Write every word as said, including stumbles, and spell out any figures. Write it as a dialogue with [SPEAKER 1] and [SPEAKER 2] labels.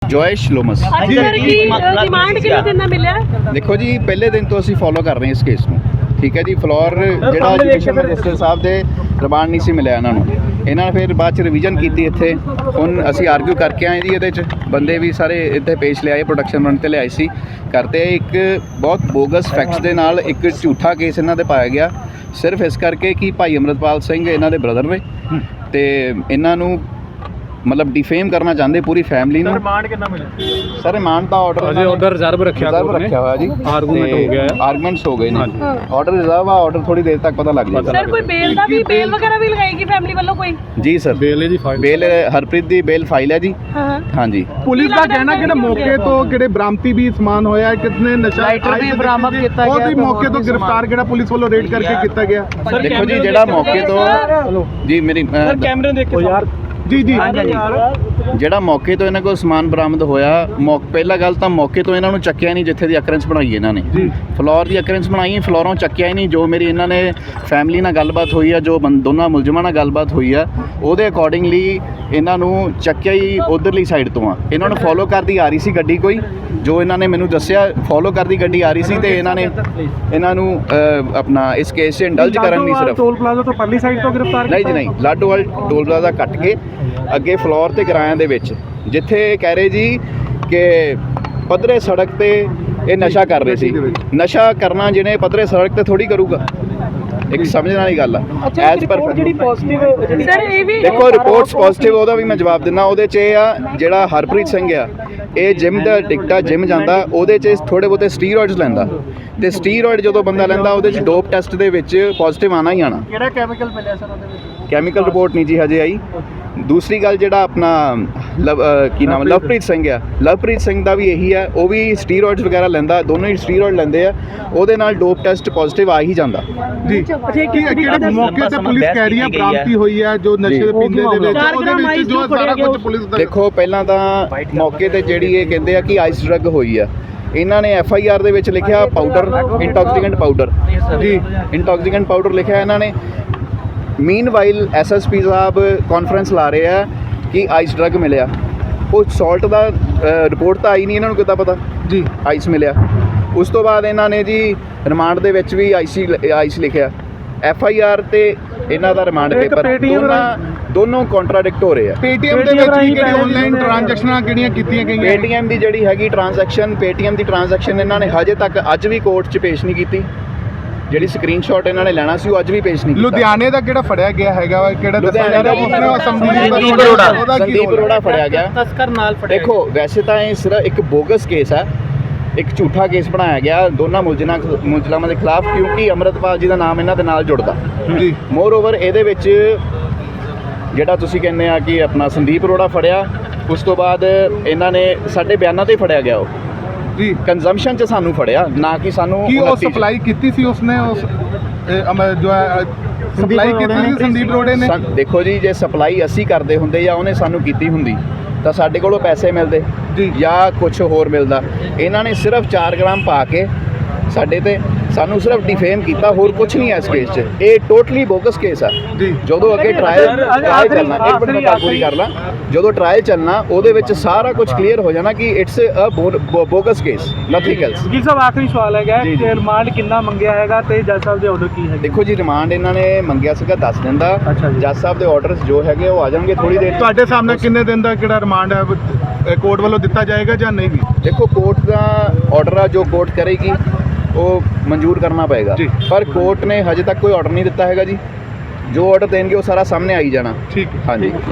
[SPEAKER 1] ਜੋਇਸ਼ ਲੋਮਸ। ਦੇਖੋ ਜੀ ਪਹਿਲੇ ਦਿਨ ਤੋਂ ਅਸੀਂ ਫੋਲੋ ਕਰ ਰਹੇ ਹਾਂ ਇਸ ਕੇਸ ਨੂੰ, ਠੀਕ ਹੈ ਜੀ। ਫਲੋਰ ਜਿਹੜਾ ਐਜੂਕੇਸ਼ਨ ਮਿਨਿਸਟਰ ਸਾਹਿਬ ਦੇ ਰਿਮਾਂਡ ਨਹੀਂ ਸੀ ਮਿਲਿਆ ਇਹਨਾਂ ਨੂੰ, ਇਹਨਾਂ ਨੇ ਫਿਰ ਬਾਅਦ ਚ ਰਿਵੀਜ਼ਨ ਕੀਤੀ ਇੱਥੇ। ਹੁਣ ਅਸੀਂ ਆਰਗੂ ਕਰਕੇ ਆਏ ਜੀ, ਇਹਦੇ 'ਚ ਬੰਦੇ ਵੀ ਸਾਰੇ ਇੱਥੇ ਪੇਸ਼ ਲਿਆਏ, ਪ੍ਰੋਡਕਸ਼ਨ ਰਨ 'ਤੇ ਲਿਆਏ ਸੀ ਕਰਤੇ। ਇੱਕ ਬਹੁਤ ਬੋਗਸ ਫੈਕਟਸ ਦੇ ਨਾਲ ਇੱਕ ਝੂਠਾ ਕੇਸ ਇਹਨਾਂ ਦੇ ਪਾਇਆ ਗਿਆ, ਸਿਰਫ ਇਸ ਕਰਕੇ ਕਿ ਭਾਈ ਅੰਮ੍ਰਿਤਪਾਲ ਸਿੰਘ ਇਹਨਾਂ ਦੇ ਬ੍ਰਦਰ ਨੇ ਤੇ ਇਹਨਾਂ ਨੂੰ ਮਤਲਬ ਡਿਫੇਮ ਕਰਨਾ ਚਾਹੁੰਦੇ ਪੂਰੀ ਫੈਮਿਲੀ ਨੂੰ।
[SPEAKER 2] ਰਿਮਾਂਡ ਕਿੰਨਾ ਮਿਲਿਆ
[SPEAKER 1] ਸਰ ਰਿਮਾਂਡ ਦਾ ਆਰਡਰ
[SPEAKER 2] ਅਜੇ ਆਰਡਰ ਰਿਜ਼ਰਵ ਰੱਖਿਆ
[SPEAKER 1] ਰਿਜ਼ਰਵ ਰੱਖਿਆ ਹੋਇਆ ਜੀ,
[SPEAKER 2] ਆਰਗੂਮੈਂਟ ਹੋ ਗਿਆ ਹੈ,
[SPEAKER 1] ਆਰਗੂਮੈਂਟਸ ਹੋ ਗਏ ਨੇ। ਆਰਡਰ ਰਿਜ਼ਰਵ ਆ, ਆਰਡਰ ਥੋੜੀ ਦੇਰ ਤੱਕ ਪਤਾ ਲੱਗ ਜਾਏਗਾ।
[SPEAKER 3] ਸਰ ਕੋਈ ਬੇਲ ਦਾ ਵੀ ਬੇਲ ਵਗੈਰਾ ਵੀ ਲਗਾਏਗੀ ਫੈਮਿਲੀ ਵੱਲੋਂ ਕੋਈ?
[SPEAKER 1] ਜੀ ਸਰ
[SPEAKER 2] ਬੇਲ ਦੀ ਫਾਈਲ,
[SPEAKER 1] ਬੇਲ ਹਰਪ੍ਰੀਤ ਦੀ ਬੇਲ ਫਾਈਲ ਹੈ ਜੀ।
[SPEAKER 3] ਹਾਂ
[SPEAKER 1] ਹਾਂਜੀ
[SPEAKER 4] ਪੁਲਿਸ ਦਾ ਕਹਿਣਾ ਕਿ ਮੌਕੇ ਤੋਂ ਕਿਹੜੇ ਬਰਾਮਤੀ ਵੀ ਸਮਾਨ ਹੋਇਆ, ਕਿਤਨੇ ਨਸ਼ਾ
[SPEAKER 2] ਲਾਈਟਰ ਵੀ ਬਰਾਮਦ ਕੀਤਾ ਗਿਆ,
[SPEAKER 4] ਉਹ ਵੀ ਮੌਕੇ ਤੋਂ ਗ੍ਰਿਫਤਾਰ ਕਿਹੜਾ ਪੁਲਿਸ ਵੱਲੋਂ ਰੇਡ ਕਰਕੇ ਕੀਤਾ ਗਿਆ।
[SPEAKER 1] ਦੇਖੋ ਜੀ ਜਿਹੜਾ ਮੌਕੇ ਤੋਂ ਜੀ ਮੇਰੀ
[SPEAKER 2] ਕੈਮਰੇ ਦੇਖੋ ਯਾਰ
[SPEAKER 4] ਜੀ ਜੀ
[SPEAKER 1] ਜਿਹੜਾ ਮੌਕੇ ਤੋਂ ਇਹਨਾਂ ਕੋਲ ਸਮਾਨ ਬਰਾਮਦ ਹੋਇਆ, ਮੌਕੇ ਪਹਿਲਾ ਗੱਲ ਤਾਂ ਮੌਕੇ ਤੋਂ ਇਹਨਾਂ ਨੂੰ ਚੱਕਿਆ ਨਹੀਂ ਜਿੱਥੇ ਦੀ ਅਕਰੈਂਸ ਬਣਾਈ ਇਹਨਾਂ ਨੇ, ਫਲੋਰ ਦੀ ਅਕਰੈਂਸ ਬਣਾਈ, ਫਲੋਰੋਂ ਚੱਕਿਆ ਹੀ ਨਹੀਂ। ਜੋ ਮੇਰੀ ਇਹਨਾਂ ਨੇ ਫੈਮਿਲੀ ਨਾਲ ਗੱਲਬਾਤ ਹੋਈ ਆ, ਜੋ ਦੋਨਾਂ ਮੁਲਜ਼ਮਾਂ ਨਾਲ ਗੱਲਬਾਤ ਹੋਈ ਆ, ਉਹਦੇ ਅਕੋਰਡਿੰਗਲੀ ਇਹਨਾਂ ਨੂੰ ਚੱਕਿਆ ਹੀ ਉਧਰਲੀ ਸਾਈਡ ਤੋਂ ਆ। ਇਹਨਾਂ ਨੂੰ ਫੋਲੋ ਕਰਦੀ ਆ ਰਹੀ ਸੀ ਗੱਡੀ ਕੋਈ, ਜੋ ਇਹਨਾਂ ਨੇ ਮੈਨੂੰ ਦੱਸਿਆ ਫੋਲੋ ਕਰਦੀ ਗੱਡੀ ਆ ਰਹੀ ਸੀ ਤੇ ਇਹਨਾਂ ਨੇ ਇਹਨਾਂ ਨੂੰ ਆਪਣਾ ਇਸ ਕੇਸ 'ਚ ਇੰਡਲਜ ਕਰਨ ਨਹੀਂ ਸਿਰਫ
[SPEAKER 4] ਟੋਲ ਪਲਾਜ਼ਾ ਤੋਂ ਪਰਲੀ ਸਾਈਡ ਤੋਂ ਗ੍ਰਿਫਤਾਰ
[SPEAKER 1] ਨਹੀਂ ਜੀ ਨਹੀਂ, ਲਾਡੋਵਾਲ ਟੋਲ ਪਲਾਜ਼ਾ ਕੱਟ ਕੇ ਅੱਗੇ ਫਲੋਰ ਤੇ ਕਿਰਾਇਆਂ ਦੇ ਵਿੱਚ, ਜਿੱਥੇ ਕਹਿ ਰਹੇ ਜੀ ਕਿ ਪੱਧਰੇ ਸੜਕ ਤੇ ਇਹ ਨਸ਼ਾ ਕਰ ਰਹੇ ਸੀ। ਨਸ਼ਾ ਕਰਨਾ ਜਿਹਨੇ ਪੱਧਰੇ ਸੜਕ ਤੇ ਥੋੜੀ ਕਰੂਗਾ, ਇੱਕ ਸਮਝਣ ਵਾਲੀ ਗੱਲ ਆ। ਐਜ਼ ਪਰ
[SPEAKER 3] ਜਿਹੜੀ ਪੋਜ਼ਿਟਿਵ ਸਰ ਇਹ ਵੀ
[SPEAKER 1] ਦੇਖੋ ਰਿਪੋਰਟਸ ਪੋਜ਼ਿਟਿਵ, ਉਹਦਾ ਵੀ ਮੈਂ ਜਵਾਬ ਦਿੰਦਾ। ਉਹਦੇ 'ਚ ਇਹ ਆ ਜਿਹੜਾ ਹਰਪ੍ਰੀਤ ਸਿੰਘ ਆ, ਇਹ ਜਿਮ ਦਾ ਟਿਕਟਾ ਜਿਮ ਜਾਂਦਾ, ਉਹਦੇ 'ਚ ਥੋੜੇ ਬਹੁਤੇ ਸਟੀਰੋਇਡਸ ਲੈਂਦਾ ਤੇ ਸਟੀਰੋਇਡ ਜਦੋਂ ਬੰਦਾ ਲੈਂਦਾ ਉਹਦੇ 'ਚ ਡੋਪ ਟੈਸਟ ਦੇ ਵਿੱਚ ਪੋਜ਼ਿਟਿਵ ਆਣਾ ਹੀ ਆਣਾ।
[SPEAKER 2] ਕਿਹੜਾ ਕੈਮੀਕਲ ਮਿਲਿਆ ਸਰ ਉਹਦੇ ਵਿੱਚ?
[SPEAKER 1] ਕੈਮੀਕਲ ਰਿਪੋਰਟ ਨਹੀਂ ਜੀ ਹਜੇ ਆਈ। ਦੂਸਰੀ ਗੱਲ ਜਿਹੜਾ ਆਪਣਾ ਲਵ ਕੀ ਨਾਮ ਲਵਪ੍ਰੀਤ ਸਿੰਘ ਆ, ਲਵਪ੍ਰੀਤ ਸਿੰਘ ਦਾ ਵੀ ਇਹੀ ਆ, ਉਹ ਵੀ ਸਟੀਰੋਇਡਸ ਵਗੈਰਾ ਲੈਂਦਾ, ਦੋਨੋਂ ਹੀ ਸਟੀਰੋਇਡ ਲੈਂਦੇ ਆ, ਉਹਦੇ ਨਾਲ ਡੋਪ ਟੈਸਟ ਪੋਜ਼ਿਟਿਵ ਆ ਹੀ ਜਾਂਦਾ
[SPEAKER 4] ਜੀ। ਕਿਹੜੇ ਮੌਕੇ ਤੇ ਪੁਲਿਸ ਕਹਿ ਰਹੀ ਹੈ ਬਰਾਮਦੀ ਹੋਈ ਹੈ ਜੋ ਨਸ਼ੇ ਦੇ ਪੀਂਦੇ ਦੇ ਵਿੱਚ, ਉਹਦੇ ਵਿੱਚ ਜੋ ਸਾਰਾ ਕੁਝ ਪੁਲਿਸ ਦਾ।
[SPEAKER 1] ਦੇਖੋ ਪਹਿਲਾਂ ਤਾਂ ਮੌਕੇ ਤੇ ਜਿਹੜੀ ਇਹ ਕਹਿੰਦੇ ਆ ਕਿ ਆਈਸ ਡਰੱਗ ਹੋਈ ਆ, ਇਹਨਾਂ ਨੇ ਐਫ ਆਈ ਆਰ ਦੇ ਵਿੱਚ ਲਿਖਿਆ ਪਾਊਡਰ, ਇੰਟੌਕਸੀਕੈਂਟ ਪਾਊਡਰ ਜੀ, ਇੰਟੌਕਸੀਕੈਂਟ ਪਾਊਡਰ ਲਿਖਿਆ ਇਹਨਾਂ ਨੇ। ਮੀਨਵਾਈਲ ਐਸ ਐਸ ਪੀ ਸਾਹਿਬ ਕਾਨਫਰੰਸ ਲਾ ਰਹੇ ਆ ਕਿ ਆਈਸ ਡਰੱਗ ਮਿਲਿਆ, ਉਹ ਸਾਲਟ ਦਾ ਰਿਪੋਰਟ ਤਾਂ ਆਈ ਨਹੀਂ, ਇਹਨਾਂ ਨੂੰ ਕਿੱਦਾਂ ਪਤਾ ਜੀ ਆਈਸ ਮਿਲਿਆ। ਉਸ ਤੋਂ ਬਾਅਦ ਇਹਨਾਂ ਨੇ ਜੀ ਰਿਮਾਂਡ ਦੇ ਵਿੱਚ ਵੀ ਆਈਸੀ ਆਈਸ ਲਿਖਿਆ, ਐਫ ਆਈ ਆਰ ਤੇ ਇਹਨਾਂ ਦਾ ਰਿਮਾਂਡ ਪੇਪਰ, ਦੋਨਾਂ ਦੋਨੋਂ ਕੰਟਰਾਡਿਕਟ ਹੋ ਰਹੇ ਆ।
[SPEAKER 4] ਪੇਟੀਐਮ ਦੇ ਵਿੱਚ ਵੀ ਕਿਹੜੀ ਆਨਲਾਈਨ ਟ੍ਰਾਂਜੈਕਸ਼ਨਾਂ ਕਿਹੜੀਆਂ ਕੀਤੀਆਂ ਗਈਆਂ?
[SPEAKER 1] ਪੇਟੀਐਮ ਦੀ ਜਿਹੜੀ ਹੈਗੀ ਟ੍ਰਾਂਜੈਕਸ਼ਨ, ਪੇਟੀਐਮ ਦੀ ਟ੍ਰਾਂਜੈਕਸ਼ਨ ਇਹਨਾਂ ਨੇ ਹਜੇ ਤੱਕ ਅੱਜ ਵੀ ਕੋਰਟ 'ਚ ਪੇਸ਼ ਨਹੀਂ ਕੀਤੀ। ਜਿਹੜੀ ਸਕਰੀਨਸ਼ਾਟ ਇਹਨਾਂ ਨੇ ਲੈਣਾ ਸੀ ਉਹ ਅੱਜ ਵੀ ਪੇਸ਼ ਨਹੀਂ ਕੀਤਾ।
[SPEAKER 4] ਲੁਧਿਆਣੇ ਦਾ ਕਿਹੜਾ ਫੜਿਆ ਗਿਆ ਹੈਗਾ, ਕਿਹੜਾ
[SPEAKER 1] ਲੁਧਿਆਣੇ ਦਾ ਸੰਦੀਪ ਅਰੋੜਾ, ਸੰਦੀਪ ਅਰੋੜਾ ਫੜਿਆ ਗਿਆ
[SPEAKER 2] ਤਸਕਰ ਨਾਲ ਫੜਿਆ।
[SPEAKER 1] ਦੇਖੋ ਵੈਸੇ ਤਾਂ ਇਹ ਸਿਰਫ ਇੱਕ ਬੋਗਸ ਕੇਸ ਹੈ, ਇੱਕ ਝੂਠਾ ਕੇਸ ਬਣਾਇਆ ਗਿਆ ਦੋਨਾਂ ਮੁਲਜ਼ਮਾਂ ਮੁਲਜ਼ਮਾਂ ਦੇ ਖਿਲਾਫ, ਕਿਉਂਕਿ ਅੰਮ੍ਰਿਤਪਾਲ ਜੀ ਦਾ ਨਾਮ ਇਹਨਾਂ ਦੇ ਨਾਲ ਜੁੜਦਾ ਜੀ। ਮੋਰ ਓਵਰ ਇਹਦੇ ਵਿੱਚ ਜਿਹੜਾ ਤੁਸੀਂ ਕਹਿੰਦੇ ਆ ਕਿ ਆਪਣਾ ਸੰਦੀਪ ਅਰੋੜਾ ਫੜਿਆ, ਉਸ ਤੋਂ ਬਾਅਦ ਇਹਨਾਂ ਨੇ ਸਾਡੇ ਬਿਆਨਾਂ ਤੇ ਫੜਿਆ ਗਿਆ ਉਹ ਜੀ, ਕੰਜ਼ੰਪਸ਼ਨ 'ਚ ਸਾਨੂੰ ਫੜਿਆ, ਨਾ ਕਿ ਸਾਨੂੰ
[SPEAKER 4] ਕੀ ਉਹ ਸਪਲਾਈ ਕੀਤੀ ਸੀ ਉਸਨੇ, ਉਸ ਜੋ ਸਪਲਾਈ ਕੀਤੀ ਸੀ ਸੰਦੀਪ ਅਰੋੜੇ ਨੇ।
[SPEAKER 1] ਦੇਖੋ ਜੀ ਜੇ ਸਪਲਾਈ ਅਸੀਂ ਕਰਦੇ ਹੁੰਦੇ ਜਾਂ ਉਹਨੇ ਸਾਨੂੰ ਕੀਤੀ ਹੁੰਦੀ ਤਾਂ ਸਾਡੇ ਕੋਲੋਂ ਪੈਸੇ ਮਿਲਦੇ ਜੀ ਜਾਂ ਕੁਝ ਹੋਰ ਮਿਲਦਾ। ਇਹਨਾਂ ਨੇ ਸਿਰਫ ਚਾਰ ਗ੍ਰਾਮ ਪਾ ਕੇ ਸਾਡੇ ਤੇ ਸਾਨੂੰ ਸਿਰਫ ਡਿਫੇਮ ਕੀਤਾ, ਹੋਰ ਕੁਝ ਨਹੀਂ ਹੈ ਇਸ ਕੇਸ 'ਚ। ਇਹ ਟੋਟਲੀ ਬੋਗਸ ਕੇਸ ਆ ਜੀ। ਜਦੋਂ ਅੱਗੇ ਟ੍ਰਾਇਲ ਟ੍ਰਾਇਲ ਚੱਲਣਾ, ਇੱਕ ਮਿੰਟ ਮੈਂ ਪੂਰੀ ਕਰ ਲਾਂ, ਜਦੋਂ ਟ੍ਰਾਇਲ ਚੱਲਣਾ ਉਹਦੇ ਵਿੱਚ ਸਾਰਾ ਕੁਝ ਕਲੀਅਰ ਹੋ ਜਾਣਾ ਕਿ it's a bogus case, nothing else.
[SPEAKER 2] ਜੀ ਸਾਹਿਬ ਆਖਰੀ ਸਵਾਲ ਹੈਗਾ ਕਿ ਰਿਮਾਂਡ ਕਿੰਨਾ ਮੰਗਿਆ ਹੈਗਾ ਤੇ ਜੱਜ ਸਾਹਿਬ ਦੇ ਆਰਡਰ ਕੀ ਹੈ?
[SPEAKER 1] ਦੇਖੋ ਜੀ ਰਿਮਾਂਡ ਇਹਨਾਂ ਨੇ ਮੰਗਿਆ ਸੀਗਾ ਦਸ ਦਿਨ ਦਾ, ਜੱਜ ਸਾਹਿਬ ਦੇ ਆਰਡਰਸ ਜੋ ਹੈਗੇ ਉਹ ਆ ਜਾਣਗੇ ਥੋੜੀ ਦੇਰ।
[SPEAKER 4] ਤੁਹਾਡੇ ਸਾਹਮਣੇ ਕਿੰਨੇ ਦਿਨ ਦਾ ਕਿਹੜਾ ਰਿਮਾਂਡ ਹੈ ਕੋਰਟ ਵੱਲੋਂ ਦਿੱਤਾ ਜਾਏਗਾ ਜਾਂ ਨਹੀਂ? ਵੀ
[SPEAKER 1] ਦੇਖੋ ਕੋਰਟ ਦਾ ਆਰਡਰ ਆ, ਜੋ ਕੋਰਟ ਕਰੇਗੀ ਉਹ ਮਨਜ਼ੂਰ ਕਰਨਾ ਪਏਗਾ, ਪਰ ਕੋਰਟ ਨੇ ਹਜੇ ਤੱਕ ਕੋਈ ਆਰਡਰ ਨਹੀਂ ਦਿੱਤਾ ਹੈਗਾ ਜੀ। ਜੋ ਆਰਡਰ ਦੇਣਗੇ ਉਹ ਸਾਰਾ ਸਾਹਮਣੇ ਆਈ ਜਾਣਾ।
[SPEAKER 4] ਠੀਕ,
[SPEAKER 1] ਹਾਂਜੀ।